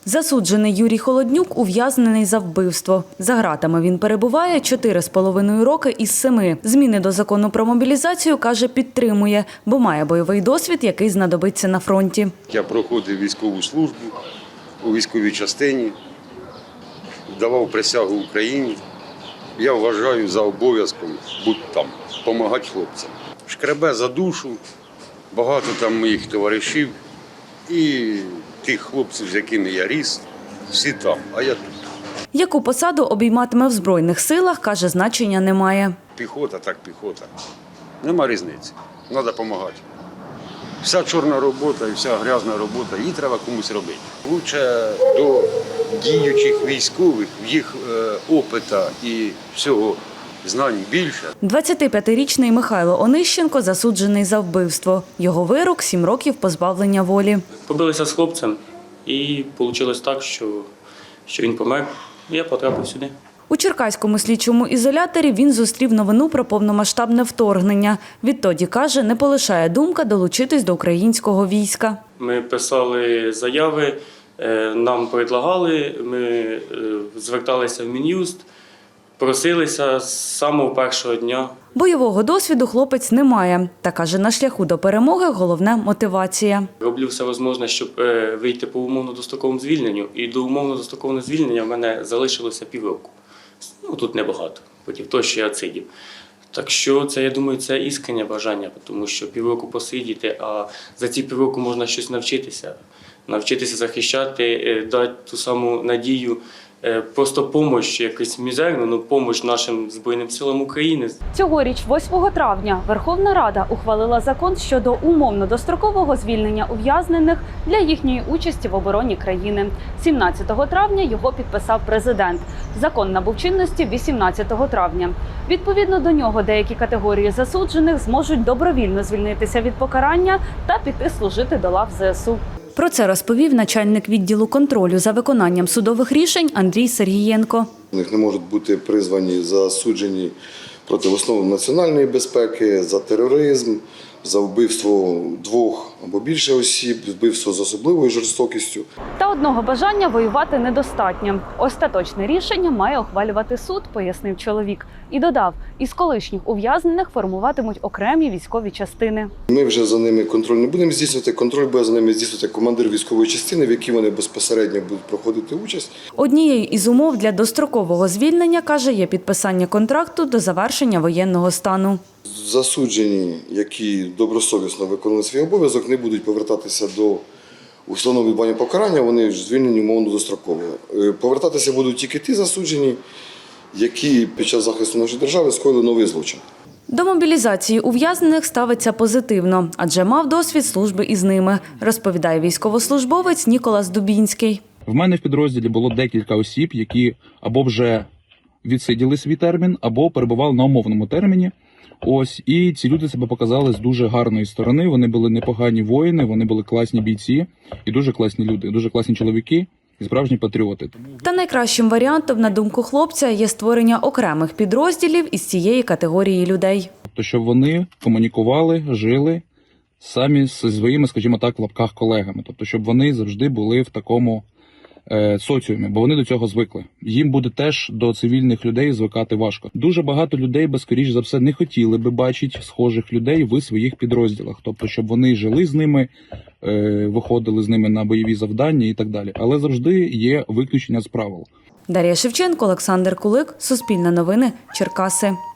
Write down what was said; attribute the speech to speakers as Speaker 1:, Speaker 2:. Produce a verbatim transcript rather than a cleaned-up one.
Speaker 1: Засуджений Юрій Холоднюк ув'язнений за вбивство. За ґратами він перебуває чотири з половиною роки із семи. Зміни до закону про мобілізацію, каже, підтримує, бо має бойовий досвід, який знадобиться на фронті.
Speaker 2: Я проходив військову службу у військовій частині, давав присягу Україні. Я вважаю за обов'язком бути там, допомагати хлопцям. Шкребе за душу, багато там моїх товаришів і тих хлопців, з якими я ріс, всі там, а я тут.
Speaker 1: Яку посаду обійматиме в Збройних силах, каже, значення немає.
Speaker 2: Піхота, так піхота. Нема різниці, треба допомагати. Вся чорна робота і вся грязна робота, її треба комусь робити. Лучше до діючих військових, в їх е, опита і всього знань більше.
Speaker 1: двадцятип'ятирічний Михайло Онищенко засуджений за вбивство. Його вирок – сім років позбавлення волі.
Speaker 3: Побилися з хлопцем і вийшло так, що, що він помер, і я потрапив сюди.
Speaker 1: У Черкаському слідчому ізоляторі він зустрів новину про повномасштабне вторгнення. Відтоді, каже, не полишає думка долучитись до українського війська.
Speaker 3: Ми писали заяви, нам предлагали, ми зверталися в Мін'юст, просилися з самого першого дня.
Speaker 1: Бойового досвіду хлопець не має. Та, каже, на шляху до перемоги головне – мотивація.
Speaker 3: Роблю все можливе, щоб вийти по умовно-достроковому звільненню. І до умовно-дострокового звільнення в мене залишилося півроку. Ну, тут небагато, проти того, що я сидів. Так що це, я думаю, це іскреннє бажання, тому що півроку посидіти, а за ці півроку можна щось навчитися. Навчитися захищати, дати ту саму надію, просто допомогу, якусь мізерну, але допомогу нашим Збройним силам України.
Speaker 1: Цьогоріч, восьмого травня, Верховна Рада ухвалила закон щодо умовно-дострокового звільнення ув'язнених для їхньої участі в обороні країни. сімнадцятого травня його підписав президент. Закон набув чинності вісімнадцятого травня. Відповідно до нього деякі категорії засуджених зможуть добровільно звільнитися від покарання та піти служити до лав зе ес у. Про це розповів начальник відділу контролю за виконанням судових рішень Андрій Сергієнко.
Speaker 4: У них не можуть бути призвані засуджені проти основ національної безпеки, за тероризм, за вбивство двох або більше осіб, вбивство з особливою жорстокістю.
Speaker 1: Та одного бажання воювати недостатньо. Остаточне рішення має ухвалювати суд, пояснив чоловік. І додав, із колишніх ув'язнених формуватимуть окремі військові частини.
Speaker 4: Ми вже за ними контроль не будемо здійснювати. Контроль буде за ними здійснювати командир військової частини, в якій вони безпосередньо будуть проходити участь.
Speaker 1: Однією із умов для дострокового звільнення, каже, є підписання контракту до завершення воєнного стану.
Speaker 4: Засуджені, які добросовісно виконали свій обов'язок, не будуть повертатися до установи відбування покарання, вони звільнені умовно достроково. Повертатися будуть тільки ті засуджені, які під час захисту нашої держави скоїли новий злочин.
Speaker 1: До мобілізації ув'язнених ставиться позитивно, адже мав досвід служби із ними, розповідає військовослужбовець Ніколас Дубінський.
Speaker 5: В мене в підрозділі було декілька осіб, які або вже відсиділи свій термін, або перебували на умовному терміні. Ось, і ці люди себе показали з дуже гарної сторони. Вони були непогані воїни, вони були класні бійці і дуже класні люди, дуже класні чоловіки і справжні патріоти.
Speaker 1: Та найкращим варіантом, на думку хлопця, є створення окремих підрозділів із цієї категорії людей.
Speaker 5: Тобто, щоб вони комунікували, жили самі зі своїми, скажімо так, в лапках колегами. Тобто, щоб вони завжди були в такому е, соціумі, бо вони до цього звикли. Їм буде теж до цивільних людей звикати важко. Дуже багато людей, би, скоріш за все, не хотіли би бачити схожих людей в своїх підрозділах. Тобто, щоб вони жили з ними, е, виходили з ними на бойові завдання і так далі. Але завжди є виключення з правил.
Speaker 1: Дар'я Шевченко, Олександр Кулик, Суспільне новини, Черкаси.